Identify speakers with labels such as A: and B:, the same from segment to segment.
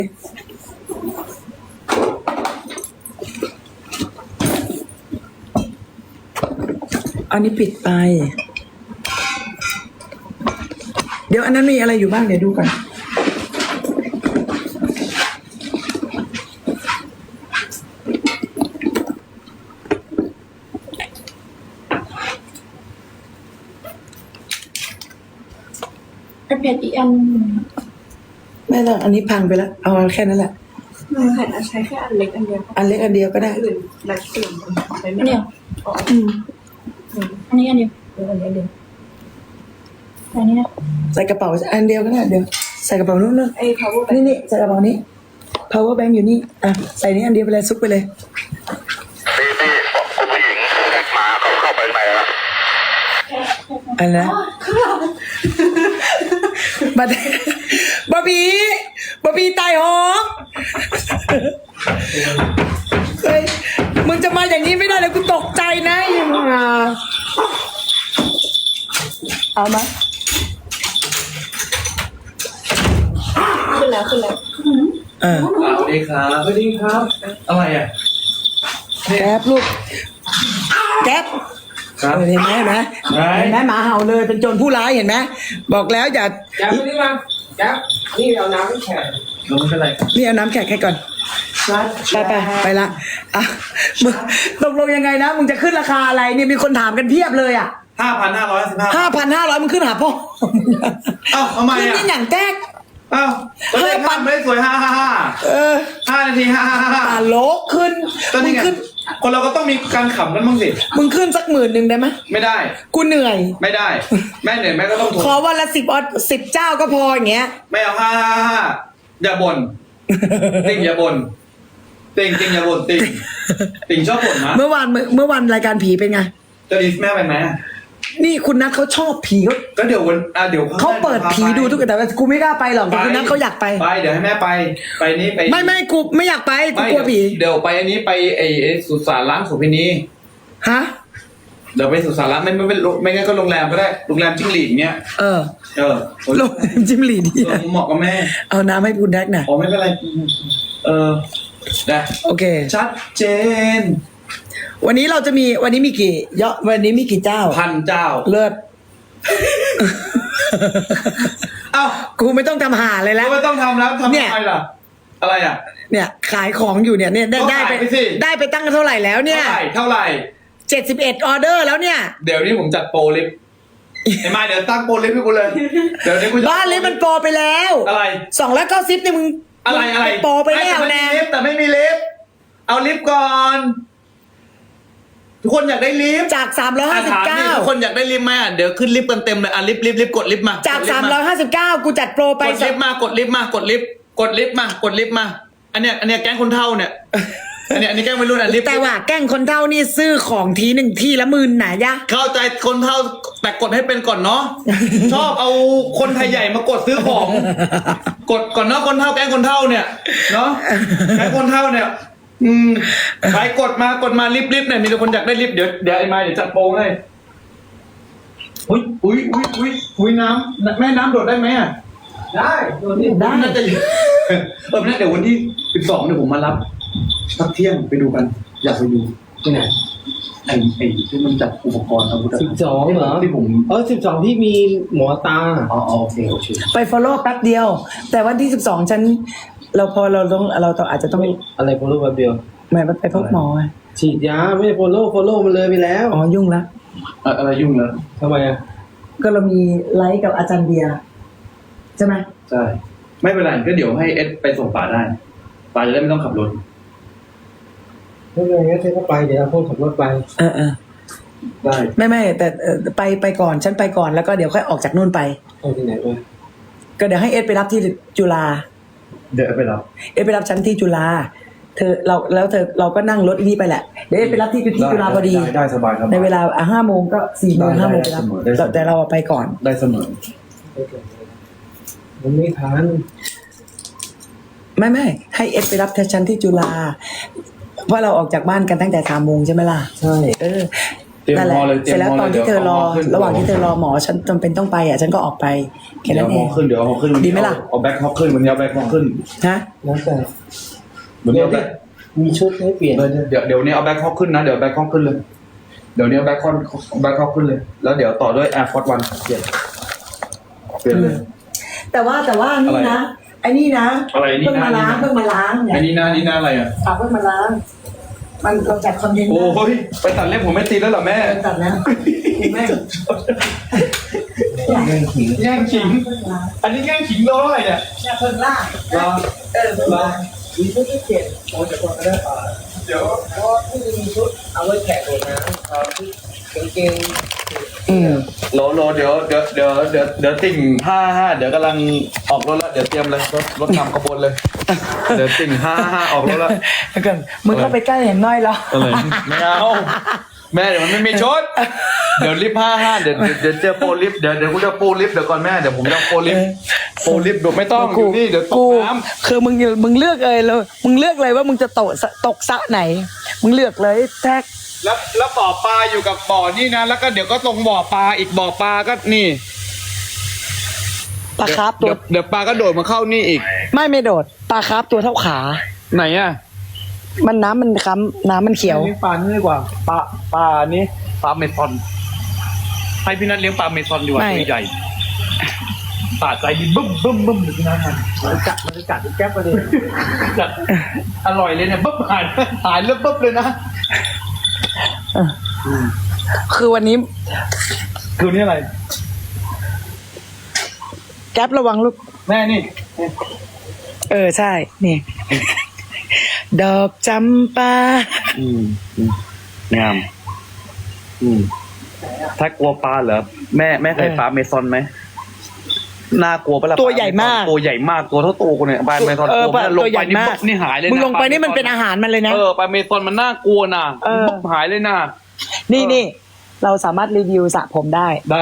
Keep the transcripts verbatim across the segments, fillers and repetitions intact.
A: อันนี้ปิดไปเดี๋ยวอันนั้นมีอะไรอยู่บ้างเดี๋ยวดูก่อน
B: ไอแพดอีกอัน
A: ไม่ต้องอันนี้พังไปแล้วเอาแค่นั้นแหละ
B: มันแผ่นใช้แค่อันเล็กอันเดียว
A: อันเล็กอันเดียวก็ได้
B: อื่นหลายเปลี่ยนไปไม่ได้อืมอันนี้อันเดียวเดี๋ยวอันนี้เดียวอันนี้นะ
A: ใส่กระเป๋าอันเดียวก็ได้เดี๋ยวใส่กระเป๋านู้นนู่น
B: ไอ้ power
A: นี่นี่ใส่กระเป๋านี้ power bank อยู่นี่อ่ะใส่นี้อันเดียวไปเลยซุกไปเลย
C: พี่พี่คุณผู้หญิงหมาเขาเข้าไปไหนแล้ว
A: อันนะบัดบอบบี้บอบบี้ตายหงเฮ้ยมึงจะมาอย่างนี้ไม่ได้เลยกูตกใจนะยังมาเอามา
B: ขึ้นแล้วขึ้นแล้ว
A: เออ
D: สวัสดีครับสวัสดีครับ อะไรอ่ะ
A: แก๊บลูกแก๊บ
D: ครับ
A: เห็นไหมเห็นไหม
D: ไหน
A: เห็นไหมหมาเห่าเลยเป็นโจรผู้ร้ายเห็นไหมบอกแล้วอย่า
E: แจ๊บนี่มาแจ๊บนี่เอาน้ำให้แขก
D: ลงไม่เป็นไร
A: นี่เอาน้ำแขกให้ก่อนไปไปไปละอ่ะมึงตกลงยังไงนะมึงจะขึ้นราคาอะไรเนี่ยมีคนถามกันเพียบเลยอ่ะ
D: ห้าพันห้าร้อยสิบห้า
A: ห้าพันห้าร้อยมึงขึ้นหาพ่อ
D: เอ้าทำไม
A: ขึ้น
D: อ่ะ
A: นี่อย่างแก๊ก
D: เอ้าก็เลขห้าไม่ได้สวยห้าห้าห้า
A: เออ
D: ห้านาทีห้าห้าห้า
A: ตาโลกขึ้น
D: ตอน
A: มึ
D: นี้
A: ง
D: ไง
A: ขึ้น
D: คนเราก็ต้องมีการขำกันบ้างสิ
A: มึงขึ้นสักหมื่นหนึ่งได้ไหม
D: ไม่ได้
A: กูเหนื่อย
D: ไม่ได้ แม่เหนื่อยแม่ก็ต้องทน
A: ขอวันละสิบออสิบเจ้าก็พออย่างเงี้ย
D: ไม่เอาห้าห้าห้าอย่าบ่นติ่งอย่าบ่นติ่งติ่งอย่าบ่นติ่งติ่งชอบบ่นนะ
A: เมื่อวานเมื่อเมื่อวันรายการผีเป็นไง
D: จะดีแม่ไปไหม
A: นี่คุณนัทเขาชอบผีเขา
D: ก็เดี๋ยววันอ่ะเดี๋ยว
A: เขาเปิดผีดูทุกแต่ว่ากูไม่กล้าไปหรอกแต่คุณนัทเขาอยากไป
D: ไปเดี๋ยวให้แม่ไปไปนี่ไป
A: ไม่ไม่กูไม่อยากไปกู
D: ไม่
A: กลัวผี
D: เดี๋ยวไปอันนี้ไปไอ้ไอ้สุสานล้างโสุพินี
A: ฮะ
D: เดี๋ยวไปสุสานล้างไม่ไม่ไม่ไม่งั้นก็โรงแรมก็ได้โรงแรมจิ้งหรีดเงี้ย
A: เออ
D: เออ
A: ลงจิมหลีดี
D: เออเหมาะกับแม่
A: เอาน้ำให้คุณแดกหน่อย
D: อ๋อไม่เป็นไรเออได้
A: โอเค
D: ชัดเจน
A: วันนี้เราจะมีวันนี้มีกี่เยอะวันนี้มีกี่เจ้า
D: พันเจ้า
A: เลิศ
D: เอ้า
A: กูไม่ต้องทำหาเลยแล้ว
D: ก็ไม่ต้องทำแล้วทำ
A: เนี่ย
D: ทำไมล่ะอะไรอ่ะ
A: เนี่ย ขายของอยู่เนี่ยเนี่ยได้
D: ก็
A: ได้
D: ขาย
A: ไป
D: ไปสิ
A: ได้ไปตั้งเท่าไหร่แล้วเนี่ย
D: เท่าไหร่เท่าไหร่
A: เจ็ดสิบเอ็ดออเดอร์แล้วเนี่ย
D: เดี๋ยวนี้ผมจัดโปรลิฟต์ไอ้ไม้เดี๋ยวตั้งโปรลิฟต์ให้กูเลยเดี๋ยวนี้กูจะ
A: บ้านเลยมันโปรไปแล้ว
D: อะไร
A: สองร้อยเก้าสิบเนี่ยมึง
D: อะไรอะไร
A: โปรไปแล้ว
D: ม่
A: นะ
D: มีลิฟต์แต่ไม่มีลิฟต์เอาลิฟต์ก่อน ทุกคนอยากได้ลิฟต์
A: จากสามร้อยห้าสิบ
D: ถาม
A: เก้า
D: ดิทุกคนอยากได้ลิฟต์ไหมอ่ะเดี๋ยวขึ้นลิฟต์กันเต็มเลยอ่ะลิฟต์ลิฟต์ลิฟต์กดลิฟต์มา
A: จาก
D: ดลิ
A: สา
D: ฟ
A: ม
D: ต์
A: ร้อยห้าสิบเก้ากูจัดโปรไป
D: กดลิฟต์มากดลิฟต์มากดลิฟต์กดลิฟต์มากดลิฟต์มา อันเนี้ยอันเนี้ยแก๊งคนเท่าเนี่ย อันเนี้ยอันนี้แก๊งวัยรุ่นอ่ะลิฟต์
A: แต่ว่าแกล้งคนเท่านี่ซื้อของทีหนึ่งทีละหมื่นหนายะ
D: เข้าใจคนเท่าแต่กดให้เป็นก่อนเนาะ ชอบเอาคนไทยใหญ่มากดซื้อของ กดก่อนเนาะคนเท่าแก๊งคนเท่าเนี่ยเนาะแก๊งคนเท่าเนี่ย อืมไปกดมากดมาลิฟต์ลิฟต์เนี่ยมีแต่คนอยากได้ลิฟต์เดี๋ยวเดี๋ยวไอ้ไม้เดี๋ยวจัดโปรให้อุ้ยอุ้ยอุ้ยอุ้ยอุ้ยน้ำแม่น้ำโดดได้ไหมอ่ะ
E: ได้โดนนี่
A: ได้
D: น่าจะอยู่ เออน่าเดี๋ยววันที่สิบสองเดี๋ยวผมมารับสักเที่ยงไปดูกัน อยากไปดู
E: ที่ไหน
D: ไอ้ไอ้ที่มันจัดอุปกรณ์อาวุธ
E: สิบสองเหรอ
D: ที่ผม
E: เออสิบสองที่มีหมอตา
D: อ๋ออ๋อโอเคโอเค
A: ไป follow แป๊บเดียว แต่วันที่สิบสองฉัน เราพอเราต้องเราต้องอาจจะต้อง
E: อะไรโฟโล่แบบเดียว
A: แหม่ไปพบหมอไง
E: ฉีดยาไม่โฟโล่โฟโล่มันเลยไปแล้ว
A: อ๋อยุ่งละ
D: เอ่ออะไรยุ่งแล้ว
E: ทำไมอ่ะ
A: ก็เรามีไลฟ์กับอาจารย์เบียร์ใช่ไหม
D: ใช่ไม่เป็นไรก็เดี๋ยวให้เอสไปส่งป่าได้ป่าจะได้ไม่ต้องขับรถ
E: ไม่เป็นไรงั้นเธอก็ไปเดี๋ยวเอาพวกขับรถไป
A: เออเออ
D: ได้
A: ไม่ไม่แต่เอ่อไปไปก่อนฉันไปก่อนแล้วก็เดี๋ยวค่อยออกจากนู่นไป
E: ไปที่ไหนไป
A: ก็เดี๋ยวให้เอสไปรับที่จุฬา
D: เดี๋ยวไปรับ
A: เอสไปรับฉันที่จุฬาเธอเราแล้วเธอเราก็นั่งรถนี่ไปแหละเดี๋ยวเอสไปรับที่ที่จุฬาพอดี
D: ได้ได้สบายครับ
A: ในเวลาห้าโมงก็สี่โมง
D: ได้
A: ห้าโมง
D: ได้
A: ไปรับ
D: เสมอได้เสมอ
A: แต่เราไปก่อน
D: ได้เสมอ
E: มันไม่ทัน
A: ไม่ไม่ให้เอสไปรับฉันที่จุฬาเพราะเราออกจากบ้านกันตั้งแต่สามโมงใช่ไหมล่ะ
E: ใช่
A: เออ
D: เตรียม
A: นั่นแห
D: พ
A: ละ
D: อเลยเต
A: เส
D: รีย
A: ร็
D: ม
A: จแล้ว
D: พอ
A: ตอน
D: เลย
A: ที่เธอรอ
D: ดี๋ยวาขึ้น
A: ระหว่างที่เธอรอหมอฉันจำเป็นต้องไปอ่ะฉันก็ออกไปแค่
D: เดี๋ย
A: นั้
D: วน
A: เอ
D: เอา
A: ง
D: ขึ้นเดี๋ยวเอาขึ้น
A: ดีไหมล่ะ
D: เอาแบ็คฮอกขึ้นวันนี้เอาแบ็คฮอกขึ้น
A: ฮะ
E: แล้วแต่
D: วันนี้เอาแบ็ค
E: มีชุดให้เปลี่ยน
D: เดี๋ยวเดี๋ยวนี้เอาแบ็คฮอกขึ้นนะเดี๋ยวแบ็คฮอกขึ้นเลยเดี๋ยวนี้เอาแบ็คฮอกแบ็คฮอกขึ้นเลย แล้วเดี๋ยวต่อด้วยแอร์ฟอร์ดวันเปลี่ยนเปลี่ยนเลย
A: แต่ว่าแต่ว่านี่นะไอ้นี่นะ
D: อะไรนี่นะ
A: เพิ่งมาล้างเพิ่งมาล้างเนี่
D: อั
A: ย
D: นนี้หน้านี่หน้าอะไรอ่ะ
A: ฝากเพิ่งมาล้างมันเราจัดคอนเทนต์
D: โอ้ยไปตัดเล็บผมไม่ตีแล้วเหรอแม่
A: เราจัดแล้วคุณแม่
E: แย่งขิง
D: แย่งขิง อันนี้แย่งขิงร้อยเนี่ย
A: เนี่ยเพิ่งล่าง
D: รอ
A: เออเพิ่งล่างมีชุดที่เจ็ด
E: โอ้จะก่อนก็ได้ป่า
D: เดี๋ยว
E: เพราะว่าที่มีชุดเอาไว้แขกโดดน้ำเอาที่กางเกง
A: อืม
D: โหลโหลเดี๋ยวเดี๋ยวเดี๋ยวเดี๋ยวเดี๋ยวติ่งห้าห้าเดี๋ยวกำลังออกรถแล้วเดี๋ยวเตรียมเลยรถรถนำขบวนเลย เดี๋ยวติ่งห้าห้าออกรถแล้ว
A: แล้วกันมึงเข้าไปใกล้เห็นน้อยแล้ว
D: อะไรไม่เอาแม่เดี๋ยวมันไม่มีชุดเดี๋ยวลิฟต์ห้าห้าเดี๋ยวเดี๋ยวเดี๋ยวเจอโปรลิฟต์เดี๋ยวเดี๋ยวกูจะโปรลิฟต์เดี๋ยวก่อนแม่เดี๋ยวผมจะโปรลิฟต์โปรลิฟต์เดี๋ยวไม่ต้องอยู่นี่เดี๋ยวต
A: กู
D: กน้ำ
A: คือมึงมึงเลือกเลยเลยมึงเลือกเลยว่ามึงจะตกสะตกสระไหน มึงเลือกเลยแท็ก
D: แล้วแล้วบ่อปลาอยู่กับบ่อนี่นะแล้วก็เดี๋ยวก็ตรงบ่อปลาอีกบ่อปลาก็นี่
A: ปลาคาร์ฟตั
D: เดี๋
A: ว
D: ยวเดี๋ยวปลาก็โดดมาเข้านี่อีก
A: ไม่ไม่โดดปลาคาร์ฟตัวเท่าขา
D: ไหนอ่ะ
A: มันน้ำมันค้ำน้ำมันเขียว
D: เลี้ยงปลานี่ดีกว่าปลาปลานี้ปลาเมซอนให้พี่นัทเลี้ยงปลาเมซอนดีกว่า
A: ไม่
D: ตัวใหญ่ปลาใจดีบึ้มบึ้มบึ้มเลยพี่นัทมัน
E: มันกัดมันกัดแก๊ปไปเลย
D: จัดอร่อยเลยเนี่ยบึ้มหายหายแล้วบึ้มเลยนะ
A: คือวันนี้
D: คือนี่อะไร
A: แก๊ประวังลูก
D: แม่นี่
A: เออใช่นี่ ดอกจำปา
D: อืมงามอืมถ้ากลัวปลาเหรอแม่แม่เคยปลาเมซอนไหมน่ากลัวปะล่ะ
A: ตัวใหญ่มาก
D: ตัวใหญ่มากตัวเท่าตัวกูเนี่ยปลาเมซอน
A: เออ
D: ตัวมันลง
A: ตัวให
D: ไป
A: ญ่
D: นี่
A: มาก
D: ปุ๊บนี่หายเลยนะ
A: มึงลงไปนี่มัน
D: ลา
A: เป็นอาหารมันเลยนะ
D: เออปลาเมซอนมันน่ากลัวนะ
A: เออ
D: ปุ๊บหายเลยนะ
A: นี่
D: เออ
A: นี่เราสามารถรีวิวสระผมได้
D: ได้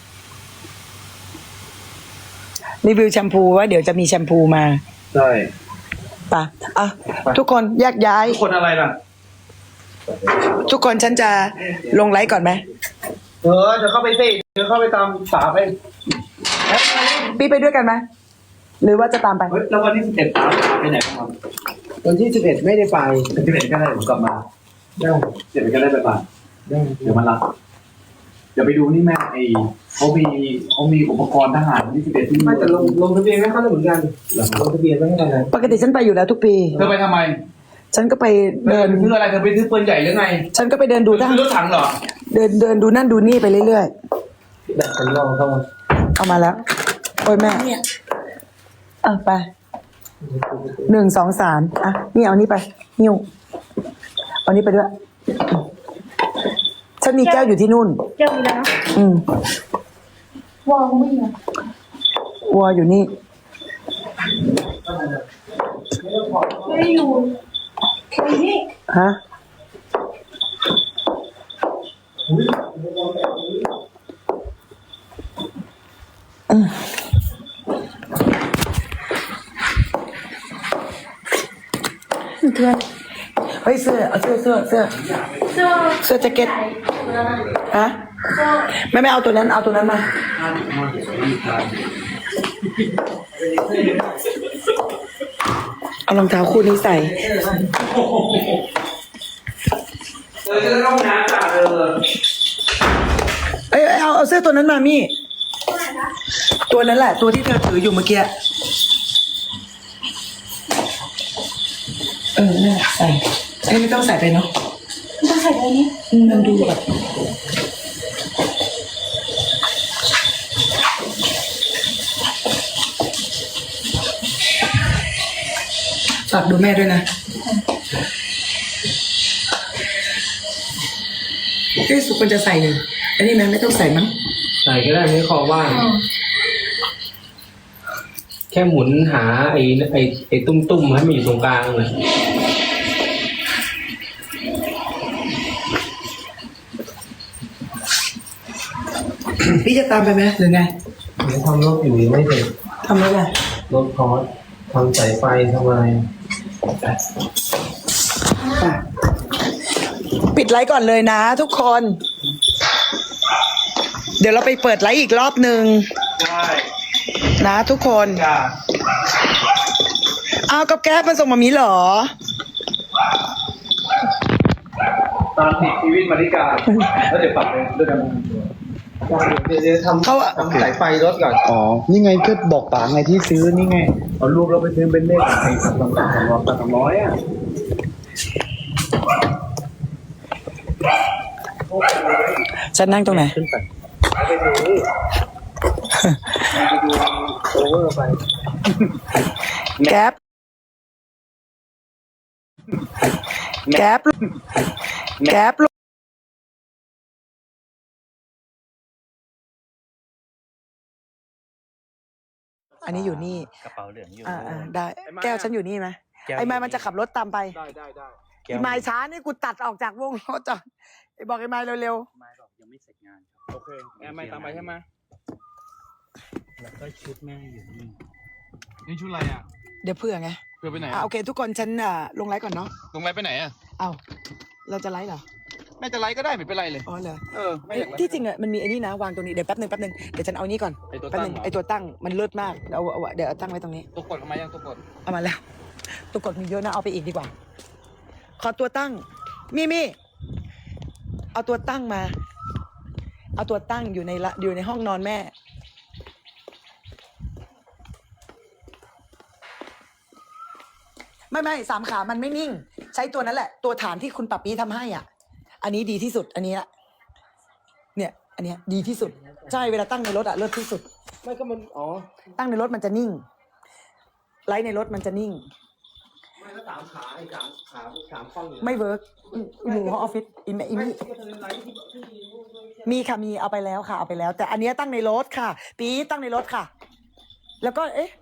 A: รีวิวแชมพูว่าเดี๋ยวจะมีแชมพูมา
D: ใช่
A: ปะอ่ะทุกคนแยกย้าย
D: ทุกคนอะไรล่ะ
A: ทุกคนฉันจะลงไลฟ์ก่อนไหม
E: เออเดี๋ยวเข้าไปสิเดี๋ยวเข้าไปตามสาไป
A: พี่ไปด้วยกันไหมหรือว่าจะตามไป
D: เฮ้ยแล้ววันที่สิบเอ็ดตามไปไหนบ้างครับ
E: วันที่สิบเอ็ดไม่ได้ไป
D: สิบเอ็ดก็ได้ผมกลับมา
E: ได้
D: สิบเอ็ดก็ได้ไปบ้าน
E: ได้
D: เดี๋ยวมันรับเดี๋ยวไปดูนี่แม่ไอเขามีเขามีอุปกรณ์ทหารที่สิบเอ็ดที่
E: ไม่แต่ลงลงทะเบียนไม่เข้าได้เหมือนกันลงทะเบียนไม่ให้อะไร
A: ปกติฉันไปอยู่แล้วทุกปี
D: เธอไปทำไม
A: ฉันก็ไป
D: เดิ
A: เดิ
D: น
A: น
D: ซื้ออะไรเธอไปซื้อปืนใหญ่หรือไง
A: ฉันก็ไปเดินดูทหาร
D: ซื้อรถถังเหรอ
A: เดินเดินดูนั่นดูนี่ไปเรื่อย
E: แบบสำรองเข้ามา
A: ๆ เอามาแล้ว โอ้ยแม่อ่ะไปหนึ่งสองสามอ่ะนี่เอานี่ไปนิ้วเอานี่ไปด้วย ฉันมีแก้วอยู่ที่นู่น
B: แก้วมีแล้วนะ
A: อืม
B: วางไม่เหรอ
A: วัวอยู่นี่
B: ไม่ได้อยู่อยู่นี่
A: ฮะอืมเพื่อนเฮ้ยเสื้อเอาเสื้อเสื้อเสื้อ
B: เสื้อ
A: เสื้อแจ็คเก็ตฮะ
B: เสื้อ
A: ไม่ไม่เอาตัวนั้นเอาตัวนั้นมาเอารองเท้าคู่นี้ใส่
D: เออจะต้องน้ำจ้ะเออ
A: เอ้ยเอาเอาเสื้อตัวนั้นมามี่ ตัวนั้นแหละ ตัวที่เธอถืออยู่เมื่อกี้เออนั่นแหละใส่เอ้ยไม่ต้องใส่ไปเนาะ
B: ต้องใส่อะไรนี้
A: อืมมันดูแบบฝากดูแม่ด้วยนะเอ้ยสุกควรจะใส่เลยอันนี้แม่ไม่ต้องใส่มั้ง
E: ใส่ก็ได้ไม่ขอว่างแค่หมุนหาไอ้ไอ้ไอ้ตุ้มๆให้มันอยู่ตรงกลางเลย
A: พี่จะตามไปไหมหรือไง
E: เดี๋ยวทำรถอยู่ยังไม่เสร็จ
A: ทำแล้วไง
E: รถคอร์สทำสายไฟทำอะไร
A: ปิดไลฟ์ก่อนเลยนะทุกคนเดี๋ยวเราไปเปิดไลฟ์อีกรอบหนึ่ง
D: ได้
A: นะทุกคน
D: จ้า
A: อ้าวกับแก๊ปมันส่งมามีเหรอ
D: ตามติดชีวิตมาริกาแล้วเดี๋ยวปรับเลยด้วยกันเดี๋ยวเดี๋ยวทำ
A: เขา
D: ทำสายไฟรถก่อน
F: อ๋อ นี่ไงก็บอกป๋าไงที่ซื้อนี่ไง
D: เอารูปเราไปซื้อเป็นเลขไอ้สามสามสามร้อยสามร้อยอ่ะ
A: ฉันนั่งตรงไหน
D: ขึ้นไปไปดูไปดูโอเวอร์ไป
A: แก๊ปแก๊ปแก๊ปลูกอันนี้อยู่นี่
F: กระเป๋าเหลืองอยู่
A: อ่าอ่าได้ แก้วฉันอยู่นี่ไหมไอ้ไม้มันจะขับรถตามไป
D: ได้ได้ได้
A: ไอ้ไม้ช้านี่กูตัดออกจากวงรถจ้ะไอ้บอกไอ้ไม้เร็ว
F: ไม้บอกยังไม่เสร็จงานครับ
D: โอเคแอมไม่ตามไปใช่ไหม
F: แล้วก็ชุดแม่อยู่นี่
D: นี่ชุดอะไรอ่ะ
A: ๆเดี๋ยวเผื่อไง
D: เพื่อไปไหน
A: อ่ะโอเค ทุกคนฉันอ่ะลงไลฟ์ก่อนเนาะ
D: ลงไลฟ์ไปไหนอ่ะ
A: เอ้าเราจะไลฟ์เหรอ
D: แม่จะไลฟ์ก็ได้ไม่เป็นไรเลย
A: อ๋อเหรอ
D: เออไม่
A: เอ้
D: อย ยากไลฟ์
A: ที่จริงอ่ะมันมีไอ้นี่นะวางตรงนี้เดี๋ยวแป๊บหนึ่งแป๊บหนึ่งเดี๋ยวฉันเอานี่ก่อน
D: ไอ้ตัว
A: แป๊บ
D: ตั้
A: ห
D: ง
A: นึ่ง
D: เหรอ
A: ไอ้ตัวตั้งมันเลิศมากเอาเอาเอาเดี๋ยวเอาตั้งไว้ตรงนี้
D: ตัวกดทำไมยังตัวกด
A: เอามาแล้ว ตัวกดมีเยอะนะเอาไปอีกดีกว่า ขอตัวตั้ง มีมีเอาตัวตั้งมา เอาตัวตั้งอยู่ในละอยู่ในห้องนอนแม่ ไม่ไม่สามขามันไม่นิ่ง ใช้ตัวนั้นแหละ ตัวฐานที่คุณปับปี้ทำให้อ่ะ อันนี้ดีที่สุด อันนี้ละเนี่ย อันเนี้ยดีที่สุด ใช่เวลาตั้งในรถอะเลิศที่สุด
D: ไม่ก็มันอ๋อ
A: ตั้งในรถมันจะนิ่ง ไลท์ในรถมันจะนิ่ง
D: ไม่ก็สามขาไอ้สามขาสามฟังอยู่
A: ไม่เวิร์กอยู่ห้องออฟฟิศอีแม่อีมี่มีค่ะมีเอาไปแล้วค่ะเอาไปแล้ว แต่อันเนี้ยตั้งในรถค่ะ ปี๊ดตั้งในรถค่ะ แล้วก็เอ๊ะ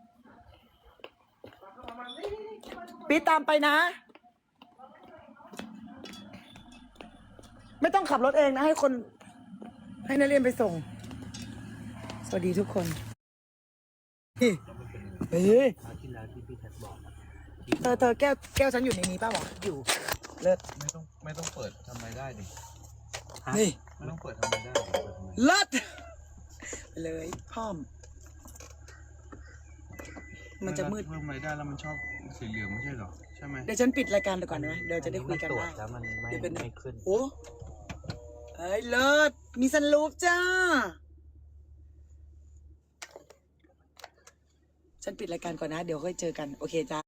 A: ปี๊ดตามไปนะ ไม่ต้องขับรถเองนะให้คน ให้นักเรียนไปส่ง สวัสดีทุกคนเฮ้ย
F: คราวที่แล้วที่พี่แท็กบอกนะ
A: เธอเธอแก้วแก้วฉันอยู่ในนี้ป่าวะอยู่ เลิศ
D: ไม่ต้องไม่ต้องเปิดทำไมได้ดิ
A: นี่
D: ไม่ต้องเปิดทำไมได้ดิเปิดทำไม
A: เลิศไปเลยพ่อม มันจะมืด
D: เพิ่มรายได้แล้วมันชอบสีเหลืองไม่ใช่เหรอใช่ไหม
A: เดี๋ยวฉันปิดรายการไปก่อนนะเดี๋ยวจะได้คุยกัน
F: ตรว
A: ได้
F: จแล้วมันไม่
A: เดี๋ยวเป็น
F: ไม่ขึ้น
A: โอ้เอ้ยเลิศมีซันรูฟจ้า ฉันปิดรายการก่อนนะ เดี๋ยวค่อยเจอกัน โอเคจ้า